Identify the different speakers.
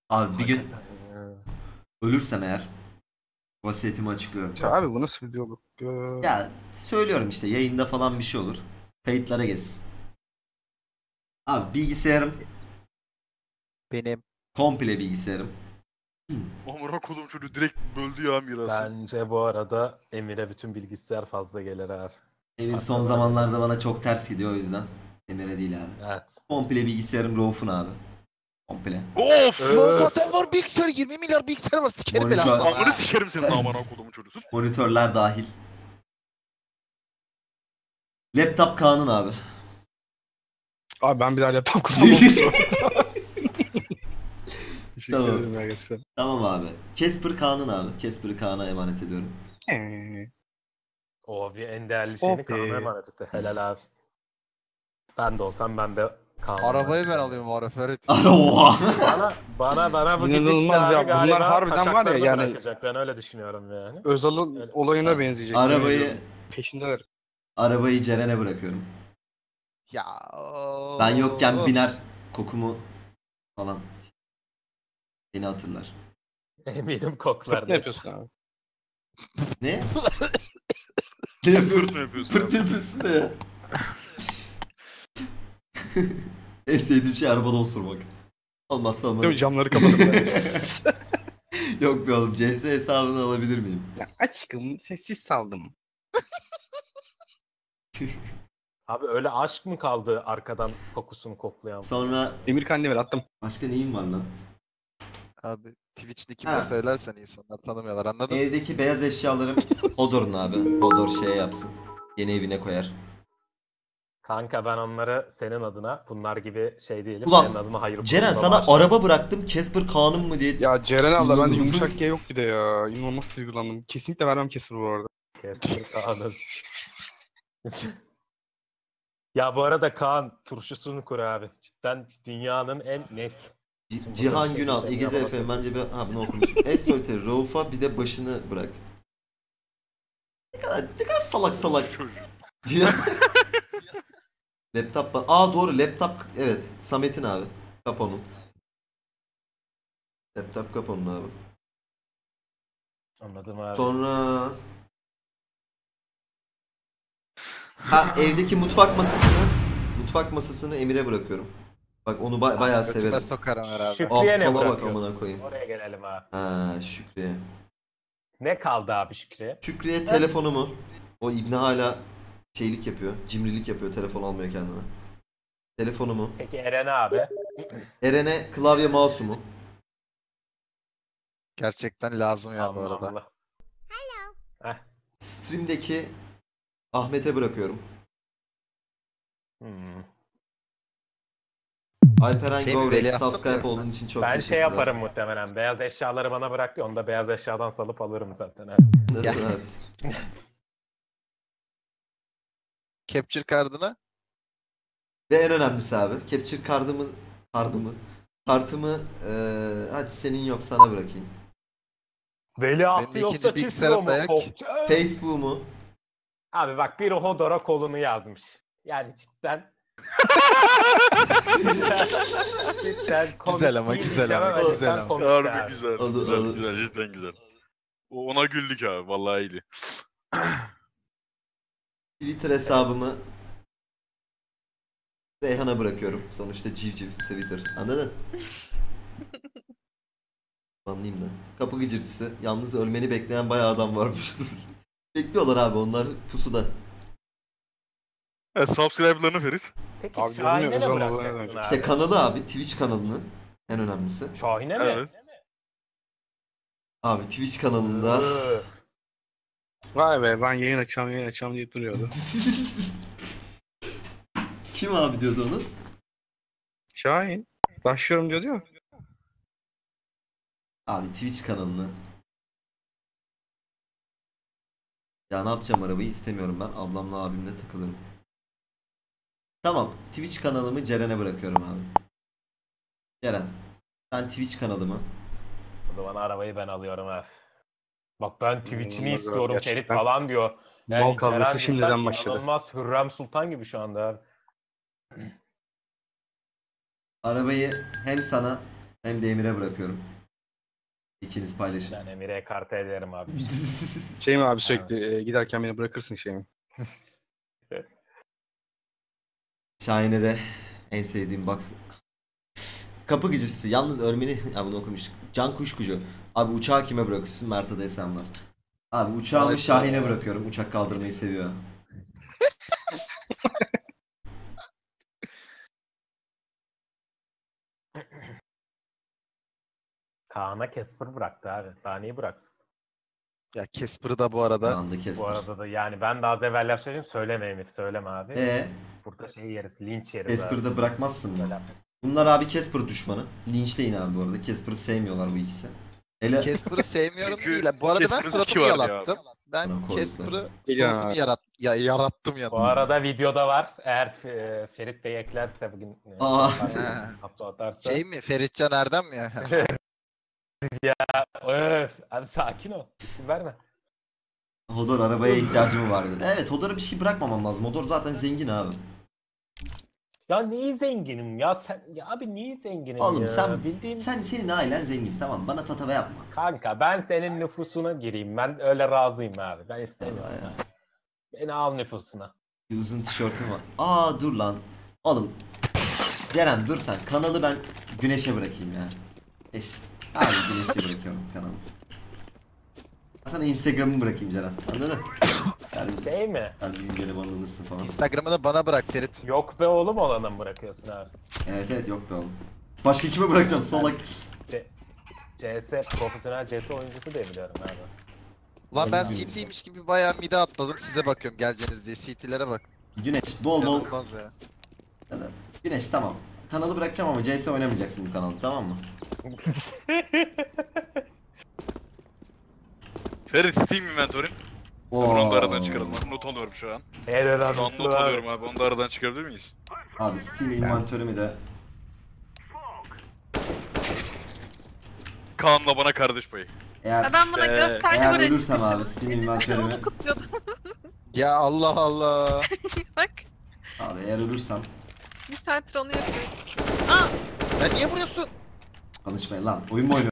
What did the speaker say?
Speaker 1: Abi bir gün
Speaker 2: Hakikaten ya.
Speaker 1: ölürsem eğer vasiyetimi açıklıyorum.
Speaker 3: Ya abi bu nasıl bir diyalog?
Speaker 1: Ya söylüyorum işte yayında falan bir şey olur. Kayıtlara geçsin. Abi bilgisayarım
Speaker 4: Benim.
Speaker 1: komple bilgisayarım.
Speaker 5: Amına kodum çocuğu direkt böldü ya mirası.
Speaker 2: Bence bu arada Emir'e bütün bilgisayar fazla gelir abi.
Speaker 1: Emir son
Speaker 2: Parçalar
Speaker 1: zamanlarda bana çok ters gidiyor o yüzden. Emir'e değil abi.
Speaker 2: Evet.
Speaker 1: Komple bilgisayarım Rauf'un abi. Komple.
Speaker 5: Of!
Speaker 4: Lan zaten var bilgisayar 20 milyar bilgisayar var sikerim
Speaker 1: Monitör.
Speaker 4: belasını.
Speaker 5: Amını sikerim senin amına kodumun çocuğu.
Speaker 1: Monitörler dahil. Laptop Kaan'ın abi.
Speaker 3: Abi ben bir daha laptop kullanmam. Teşekkür
Speaker 1: Tamam.
Speaker 3: ederim arkadaşlar.
Speaker 1: Tamam abi. Casper Kaan'ın abi. Casper'ı Kaan'a emanet ediyorum.
Speaker 2: O bir en değerli şeyini
Speaker 3: Okey.
Speaker 2: Kaan'a emanet etti. Helal abi. Ben de olsam ben de Kaan'a
Speaker 4: Arabayı
Speaker 2: emanet
Speaker 4: ben
Speaker 2: ederim.
Speaker 4: alıyorum Arif Ferit.
Speaker 1: Ara oha.
Speaker 2: Bana bu
Speaker 3: İnanılmaz
Speaker 2: gidişle
Speaker 3: ya,
Speaker 2: abi
Speaker 3: bunlar
Speaker 2: galiba
Speaker 3: harbiden var ya,
Speaker 2: taşaklarını
Speaker 3: yani-
Speaker 2: bırakacak. Ben öyle düşünüyorum yani.
Speaker 3: Özal'ın
Speaker 2: Öyle.
Speaker 3: olayına benzeyecek.
Speaker 1: Arabayı
Speaker 3: Peşindeler.
Speaker 1: arabayı Ceren'e bırakıyorum.
Speaker 4: Ya.
Speaker 1: Ben yokken biner kokumu falan. Beni hatırlar.
Speaker 2: Eminim koklar.
Speaker 3: Fırt ne yapıyorsun abi?
Speaker 1: Ne? Ne yapıyorum?
Speaker 5: Fırt mı yapıyorsun
Speaker 1: Fırt
Speaker 5: abi?
Speaker 1: yapıyorsun da ya. En sevdiğim şey arabada osurmak. Olmazsa
Speaker 3: Değil mi?
Speaker 1: olmaz.
Speaker 3: Camları kapatıp böyle.
Speaker 1: Yok be oğlum. CS hesabını alabilir miyim?
Speaker 3: Ya aşkım sessiz saldım.
Speaker 2: Abi öyle aşk mı kaldı arkadan kokusunu koklayan?
Speaker 1: Sonra
Speaker 3: Emir Kandemir attım.
Speaker 1: başka neyim var lan?
Speaker 4: Abi Twitch nick'imi
Speaker 1: Ha.
Speaker 4: de söylersen insanlar tanımıyorlar anladın mı?
Speaker 1: Evdeki beyaz eşyalarım Hodor'un abi. Hodor şey yapsın. Yeni evine koyar.
Speaker 2: Kanka ben onları senin adına bunlar gibi şey değilim.
Speaker 1: Ulan,
Speaker 2: senin adına hayır
Speaker 1: Ceren
Speaker 2: kurumuna
Speaker 1: sana
Speaker 2: bağışlarım.
Speaker 1: araba bıraktım. Casper Kaan'ım mı diye.
Speaker 3: Ya Ceren abla bende
Speaker 1: İnanılmaz.
Speaker 3: yumuşak G yok bir de ya. İnanılmaz duygulandım. Kesinlikle vermem Kesir bu arada.
Speaker 2: Kestir Kaan'ın. Ya bu arada Kaan turşusunu kur abi. Cidden dünyanın en net. Şimdi burada
Speaker 1: Cihan
Speaker 2: bir şey
Speaker 1: Günal,
Speaker 2: diyeceğim
Speaker 1: İgeze
Speaker 2: ya, bana
Speaker 1: Efe,
Speaker 2: söyle.
Speaker 1: bence bir... Ha bunu okumuştum. Ev soliteri, Rauf'a bir de başını bırak. Ne kadar salak salak.
Speaker 5: Çocuğu.
Speaker 1: Cihan... Laptop... Aa doğru laptop... Evet. Samet'in abi. Kaponun. Laptop kaponun abi.
Speaker 2: Anladım abi.
Speaker 1: Sonra... Ha evdeki mutfak masasını Emir'e bırakıyorum. Bak onu bayağı
Speaker 4: Götüme
Speaker 1: severim.
Speaker 4: sokarım herhalde.
Speaker 2: Şükrü'ye ne
Speaker 1: Aptala bak
Speaker 2: bırakıyorsun?
Speaker 1: amına koyayım.
Speaker 2: Oraya gelelim abi.
Speaker 1: Ha Şükrü'ye.
Speaker 2: Ne kaldı abi Şükrü'ye?
Speaker 1: Şükrü'ye telefonumu. O İbni hala şeylik yapıyor. Cimrilik yapıyor. Telefon almıyor kendine. Telefonumu.
Speaker 2: Peki Eren abi?
Speaker 1: Eren'e klavye mouse'umu.
Speaker 4: Gerçekten lazım ya bu arada.
Speaker 2: Allah. Heh.
Speaker 1: Stream'deki Ahmet'e bırakıyorum.
Speaker 2: Hmm.
Speaker 1: Alperen
Speaker 4: Şey mi,
Speaker 1: Govrek
Speaker 4: veliahtı mı
Speaker 1: subscribe
Speaker 4: yoksa?
Speaker 1: olduğun için çok
Speaker 2: Ben şey
Speaker 1: teşekkürler.
Speaker 2: yaparım muhtemelen. Beyaz eşyaları bana bıraktı. Onu da beyaz eşyadan salıp alırım zaten. He.
Speaker 1: Neden
Speaker 4: Ya.
Speaker 1: abi?
Speaker 4: Capture card'ını
Speaker 1: Ve en önemlisi abi. Capture kartımı hadi senin yok sana bırakayım.
Speaker 2: Veliahtı
Speaker 4: Benim
Speaker 2: yoksa
Speaker 4: ikinci
Speaker 2: çiziyor
Speaker 4: bilgisayarım da
Speaker 2: mu?
Speaker 4: yok.
Speaker 2: Kokça?
Speaker 1: Facebook'umu.
Speaker 2: Abi bak biri Hodor'a kolunu yazmış. Yani cidden. cidden komik
Speaker 4: Güzel ama,
Speaker 2: değil
Speaker 4: güzel
Speaker 2: diyeceğim
Speaker 4: ama,
Speaker 2: cidden
Speaker 4: güzel ama.
Speaker 2: komik
Speaker 5: Harbi
Speaker 2: abi.
Speaker 5: güzel.
Speaker 1: Olur,
Speaker 5: Güzel,
Speaker 1: olur.
Speaker 5: güzel, cidden güzel. Ona güldük abi, vallahi iyiydi.
Speaker 1: Twitter hesabımı Reyhan'a bırakıyorum. Sonuçta civciv Twitter. Anladın? Anlayayım da. Kapı gıcırtısı. Yalnız ölmeni bekleyen bayağı adam varmış. Bekliyorlar abi onlar pusuda.
Speaker 5: Evet, subscribe'larını Ferit.
Speaker 2: Peki
Speaker 3: Abi
Speaker 2: Şahin'e
Speaker 3: görünüyor,
Speaker 2: ne
Speaker 3: özel
Speaker 2: bırakacaksın
Speaker 3: olaylar
Speaker 2: abi?
Speaker 1: İşte kanalı abi Twitch kanalını en önemlisi.
Speaker 2: Şahin'e mi?
Speaker 5: Evet.
Speaker 1: Abi Twitch kanalında
Speaker 3: Vay be ben yayın açacağım deyip duruyordu.
Speaker 1: kim abi diyordu onu?
Speaker 3: Şahin. Başlıyorum diyor değil mi?
Speaker 1: Abi Twitch kanalını. Ya ne yapacağım arabayı istemiyorum ben. Ablamla abimle takılırım. Tamam. Twitch kanalımı Ceren'e bırakıyorum abi. Ceren. Sen Twitch kanalımı.
Speaker 2: O zaman arabayı ben alıyorum ha. Bak ben Twitch'ini
Speaker 3: Olmaz
Speaker 2: istiyorum
Speaker 3: abi,
Speaker 2: Ferit
Speaker 3: gerçekten.
Speaker 2: falan diyor.
Speaker 3: Mal kavgası
Speaker 2: Ceren
Speaker 3: şimdiden
Speaker 2: cidden
Speaker 3: başladı.
Speaker 2: İnanılmaz Hürrem Sultan gibi şu anda abi.
Speaker 1: Arabayı hem sana hem de Emir'e bırakıyorum. İkiniz paylaşın.
Speaker 2: Ben Emir'e kartı ederim abi.
Speaker 3: Şey mi abi sürekli giderken beni bırakırsın şey mi?
Speaker 1: Şahin'e de en sevdiğim box. Kapı gıcısı. Yalnız ölmeni... Ya bunu okumuştuk. Can Kuşkucu. Abi uçağı kime bırakıyorsun? Mert'e desem var. Abi uçağımı
Speaker 4: Ay,
Speaker 1: Şahin'e bırakıyorum. Uçak kaldırmayı seviyor.
Speaker 2: Kaan'a Casper bıraktı abi. Daha neyi bıraksın?
Speaker 4: Ya Casper'ı da bu arada.
Speaker 1: Kandı kesmiş.
Speaker 2: Bu arada da yani ben de az evvel laf söyleyeyim. Söyleme Emir, söyleme abi. Burada şey yeriz, linç yeriz abi.
Speaker 1: Casper'ı da bırakmazsın mı?
Speaker 2: Böyle.
Speaker 1: Bunlar abi Casper düşmanı. Linçleyin abi bu arada. Casper'ı sevmiyorlar bu ikisi. Hele
Speaker 4: Casper'ı sevmiyorum
Speaker 5: Çünkü
Speaker 4: değil. Bu arada ben
Speaker 5: Casper'ın
Speaker 4: suratımı
Speaker 5: siki var ya.
Speaker 4: yalattım. Ben
Speaker 1: Bana koyduklar.
Speaker 4: Casper'ı
Speaker 3: Geliyor
Speaker 4: suratımı
Speaker 3: abi.
Speaker 4: yarattım ya.
Speaker 2: Bu arada videoda var. Eğer Ferit Bey eklerse bugün
Speaker 1: Aa.
Speaker 2: hafta atarsa.
Speaker 4: Şey mi? Feritcan Erdem mi ya?
Speaker 2: Öf, abi sakin ol. İsim verme.
Speaker 1: Hodor arabaya ihtiyacım var dedi. Evet Hodor'a bir şey bırakmamam lazım. Hodor zaten zengin abi.
Speaker 2: Ya niye zenginim ya sen ya abi niye zenginim
Speaker 1: Oğlum
Speaker 2: ya?
Speaker 1: sen
Speaker 2: Bildiğin
Speaker 1: senin ailen zengin tamam bana tatava yapma.
Speaker 2: kanka ben senin nüfusuna gireyim. Ben öyle razıyım abi. Ben istemiyorum.
Speaker 1: Vallahi ya.
Speaker 2: abi. Beni al nüfusuna.
Speaker 1: Bir uzun tişörtüm var. Aa dur lan. Oğlum. Ceren dur sen. Kanalı ben Güneş'e bırakayım ya. Abi Güneş'e bırakıyorum kanalı. Sana Instagram'ımı bırakayım Ceren. Anladın? Yani,
Speaker 2: Şey mi?
Speaker 1: yani güncele banlanırsın falan.
Speaker 4: Instagram'ını bana bırak Ferit.
Speaker 2: Yok be oğlum olanı mı bırakıyorsun abi?
Speaker 1: Evet yok be oğlum. Başka kime bırakacağım salak.
Speaker 2: CS, profesyonel CS oyuncusu diye biliyorum abi.
Speaker 4: Ulan ben
Speaker 1: Benim
Speaker 4: CT'ymiş gibi bayağı mide atladım. Size bakıyorum geleceğiniz diye. CT'lere bak.
Speaker 1: Güneş bol bol.
Speaker 4: İnanılmaz ya.
Speaker 1: Ya da- Güneş tamam. Kanalı bırakacağım ama CS oynamayacaksın bu kanalda tamam mı?
Speaker 5: Ferit Steam inventory'in. Onu da aradan çıkaralım. Not alıyorum şu an.
Speaker 2: Helal
Speaker 5: Şu an
Speaker 2: adamsın
Speaker 5: not
Speaker 2: abi.
Speaker 5: alıyorum abi. Onu da aradan çıkarabilir miyiz?
Speaker 1: Abi Steam inventörümü de
Speaker 5: Kaan'la bana kardeş payı.
Speaker 1: eğer
Speaker 6: Adam bana
Speaker 5: İşte,
Speaker 6: gösterdi
Speaker 1: eğer
Speaker 6: buraya
Speaker 1: ölürsem
Speaker 6: çıkışını.
Speaker 1: abi Steam inventörümü
Speaker 6: Onu kutluyordum.
Speaker 4: Ya Allah Allah.
Speaker 6: Bak
Speaker 1: abi eğer ölürsem
Speaker 6: bir saattir onu yapıyorum. Aa
Speaker 4: Ya niye vuruyorsun?
Speaker 1: konuşmayın lan oyun mu oynuyorsun?